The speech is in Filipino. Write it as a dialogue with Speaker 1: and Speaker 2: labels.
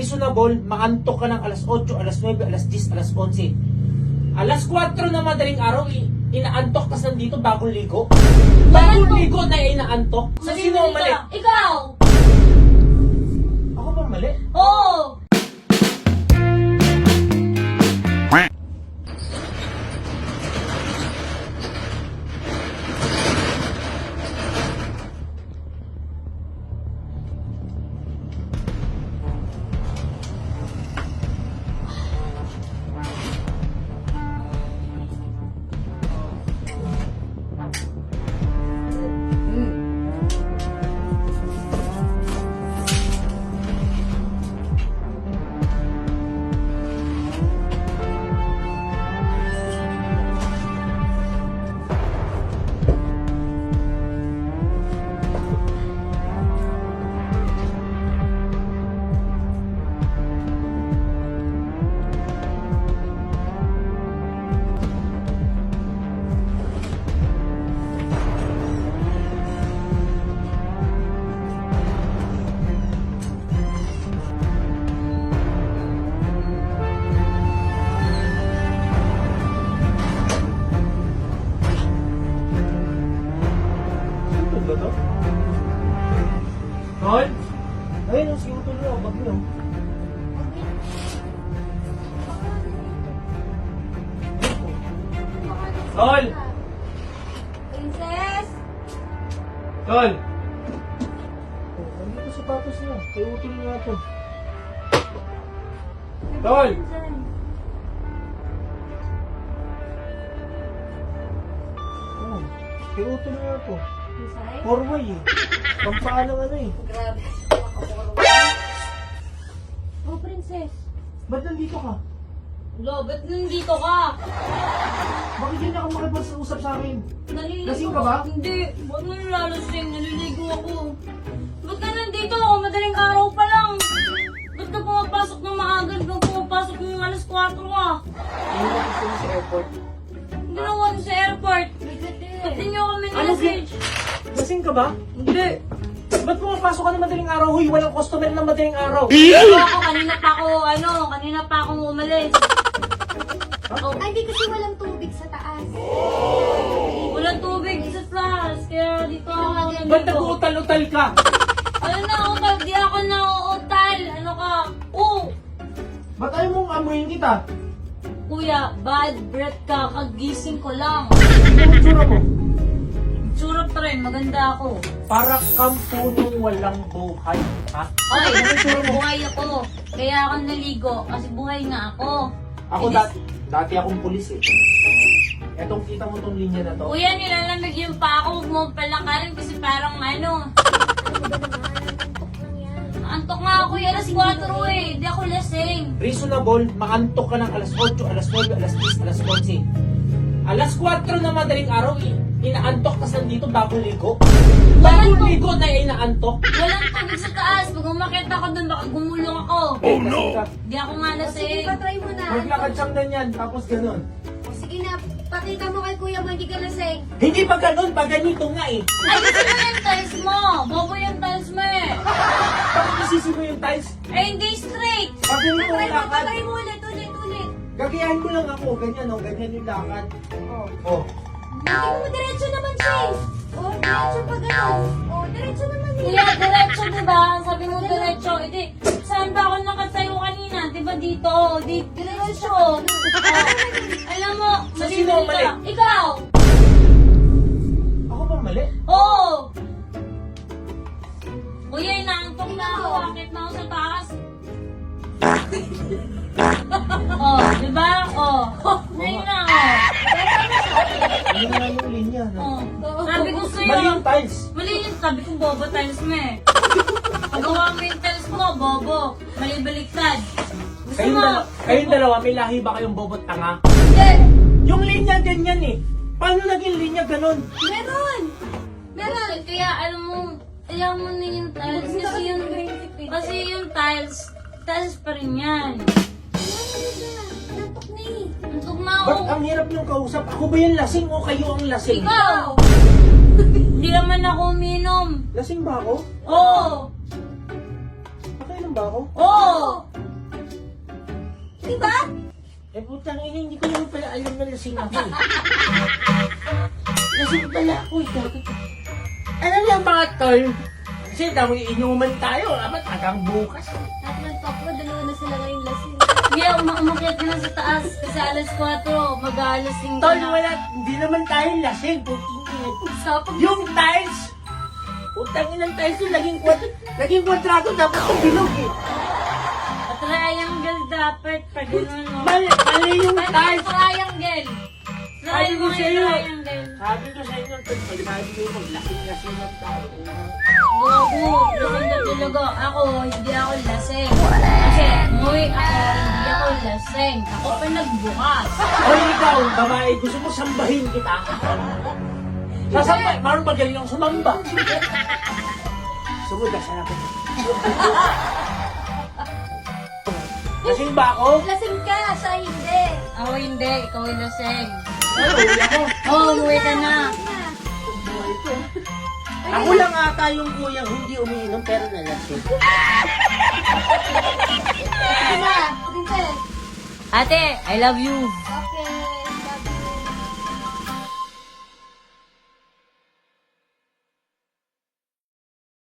Speaker 1: reasonable, maantok ka ng alas 8, alas 9, alas 10, alas 11. Alas 4 na madaling araw, inaantok tas nandito bagong ligo. Bagong ligo na inaantok. So sino ang mali?
Speaker 2: Ikaw!
Speaker 1: Ako ba mali?
Speaker 2: Oo!
Speaker 1: Sino ba to? Tol? Ayun, ang sino tuloy ako, bag niyo. Tol!
Speaker 2: Princess!
Speaker 1: Tol! Oh, nandito sapatos niya. Kaya utol nga to. Tol! Oh, kaya utol nga to.
Speaker 2: Inside?
Speaker 1: Four-way eh. Pampaalang ano eh.
Speaker 2: Grabe. Oh, princess.
Speaker 1: Ba't nandito ka?
Speaker 2: Lo, ba't nandito ka?
Speaker 1: Bakit hindi ako makipag-usap sa akin?
Speaker 2: Naliligo
Speaker 1: Lasing ka ba?
Speaker 2: Hindi. Ba't mo nilalasing? Naliligo ako. Ba't ka nandito? Madaling araw pa lang. Ba't ka pumapasok ng maaga? Ba't pumapasok ng alas 4 ka?
Speaker 1: Hindi ko gusto sa airport.
Speaker 2: Ginawa niyo sa airport. Ba't di niyo kami
Speaker 1: Ano,
Speaker 2: message?
Speaker 1: Lasing ka ba?
Speaker 2: Hindi.
Speaker 1: Ba't pumapasok ka ng madaling araw? Huy, walang customer ng madaling araw.
Speaker 2: Ako, kanina pa akong umalis. Oh,
Speaker 3: Ay, di kasi walang tubig sa taas.
Speaker 2: walang tubig sa taas. Kaya dito ako
Speaker 1: Ba't
Speaker 2: nandito.
Speaker 1: nag-uutal-utal ka?
Speaker 2: Ano na, utal? Di ako na utal. Ano ka? Oo.
Speaker 1: Ba't ayaw mong amuyin kita?
Speaker 2: Kuya, bad breath ka. Kagising ko lang.
Speaker 1: Ano ang tsura mo?
Speaker 2: Tsura pa rin, maganda ako.
Speaker 1: Para kang punong walang buhay, ha?
Speaker 2: Okay, buhay ako. Kaya ako naligo kasi buhay nga ako.
Speaker 1: Ako dati akong pulis eh. Etong kita mo tong linya na to.
Speaker 2: Kuya, nilalamig yung pa ako. Huwag mo palakarin kasi parang ano. Antok nga ako, alas 4 eh. Hindi ako lasing.
Speaker 1: Reasonable, maantok ka ng alas 8, alas 9, alas 10, alas 11. Alas 4 na madaling araw, inaantok tas nandito bagong ligo. Bagong ligo na inaantok.
Speaker 2: Walang tubig sa taas. Pag umakit ako dun, baka gumulong ako.
Speaker 1: Oh no!
Speaker 2: Di ako nga
Speaker 3: Sige,
Speaker 2: lasing.
Speaker 3: patry mo na.
Speaker 1: Maglakad siyang ganyan, tapos ganun.
Speaker 3: O, sige na, pakita mo kay kuya mo, hindi ka lasing.
Speaker 1: Hindi pa ganun, pa ganito nga eh.
Speaker 2: Ay, gusto mo yung tiles mo. Bobo yung tiles mo eh.
Speaker 1: Bakit isisi mo yung tiles?
Speaker 2: Eh, hindi straight.
Speaker 1: Pag ganito
Speaker 3: Patry
Speaker 1: yung
Speaker 3: mo,
Speaker 1: lakad,
Speaker 3: patry mo ulit.
Speaker 1: gagayahin ko lang ako, ganyan oh, ganyan yung lakad.
Speaker 3: O,
Speaker 1: Oh.
Speaker 3: hindi mo diretso naman siya eh. O, diretso pa gano'n. O, diretso naman eh.
Speaker 2: Kuya, diretso diba? Sabi mo diretso. Edi, saan ba ako nakatayo kanina? Diba dito? Diretso. Oh. Alam mo,
Speaker 1: So, sino ang mali?
Speaker 2: ka. Ikaw.
Speaker 1: Ako ba mali?
Speaker 2: Oo. Kuya, inaantok na ako. Akit na ako sa taas. Oh, diba? Oh. Ngayon na, oh.
Speaker 1: Ano nga yung linya?
Speaker 2: Oh. Sabi ko sa'yo.
Speaker 1: Mali yung tiles.
Speaker 2: Mali yun. Sabi ko, bobo tiles mo eh. Pagawa mo yung tiles mo, bobo. Mali baliktad. Gusto mo?
Speaker 1: Kayong dalawa, may lahi ba kayong bobot tanga?
Speaker 2: Hindi.
Speaker 1: Yung linya ganyan eh. Paano naging linya ganun?
Speaker 3: Meron.
Speaker 2: Meron. Kaya alam mo na yung tiles. Kasi yung tiles pa rin yan.
Speaker 3: Nantok na eh.
Speaker 2: Antok na ako.
Speaker 1: Ba't ang hirap yung kausap? Ako ba yung lasing o kayo ang lasing?
Speaker 2: Ikaw. Hindi naman ako uminom.
Speaker 1: Lasing ba ako?
Speaker 2: Oo.
Speaker 1: Nakainom ba ako?
Speaker 2: Oo.
Speaker 3: Diba?
Speaker 1: Eh, putang ina, hindi ko naman pala alam na lasing ako eh. Lasing pala ako eh. Alam niyo mga tol, kasi dami inuman tayo, dapat hanggang bukas.
Speaker 3: Lahat ng top ko, dalawa na sila ngayong lasing.
Speaker 2: Kaya umakyat ka na sa taas kasi alas 4, mag-aalasing ka
Speaker 1: Tol,
Speaker 2: na.
Speaker 1: wala, hindi naman tayo lasing. Puting ina.
Speaker 2: Sapag
Speaker 1: Yung tiles, putang ina ng tiles yung naging kwadrado, dapat yung bilog eh.
Speaker 2: triangle dapat pag gano'n, no?
Speaker 1: Mali yung
Speaker 2: Pwede
Speaker 1: tiles.
Speaker 2: triangle.
Speaker 1: Sabi ko
Speaker 2: Triangle,
Speaker 1: sa'yo.
Speaker 2: triangle.
Speaker 1: Sabi ko sa inyo, tol, pag sabi ko, lasing ng tao.
Speaker 2: Gogo, lasing na talaga. Ako, hindi ako lasing. Kasi, umuwi ako, hindi ako lasing. Ako pa nagbukas.
Speaker 1: Hoy, ikaw, babae, gusto mo sambahin kita? Sasambay, marunong magaling ang sumamba. Sumuda, sana ko. Lasing ba ako?
Speaker 3: Lasing ka, siya hindi.
Speaker 2: Ako hindi, ikaw yung lasing.
Speaker 1: Ano, uwi ako.
Speaker 2: Oo, umuwi ka na.
Speaker 1: Ako lang ata yung kuyang hindi umiinom pero nalasing.
Speaker 3: Diba? Princess?
Speaker 2: Ate, I love you.
Speaker 3: Okay.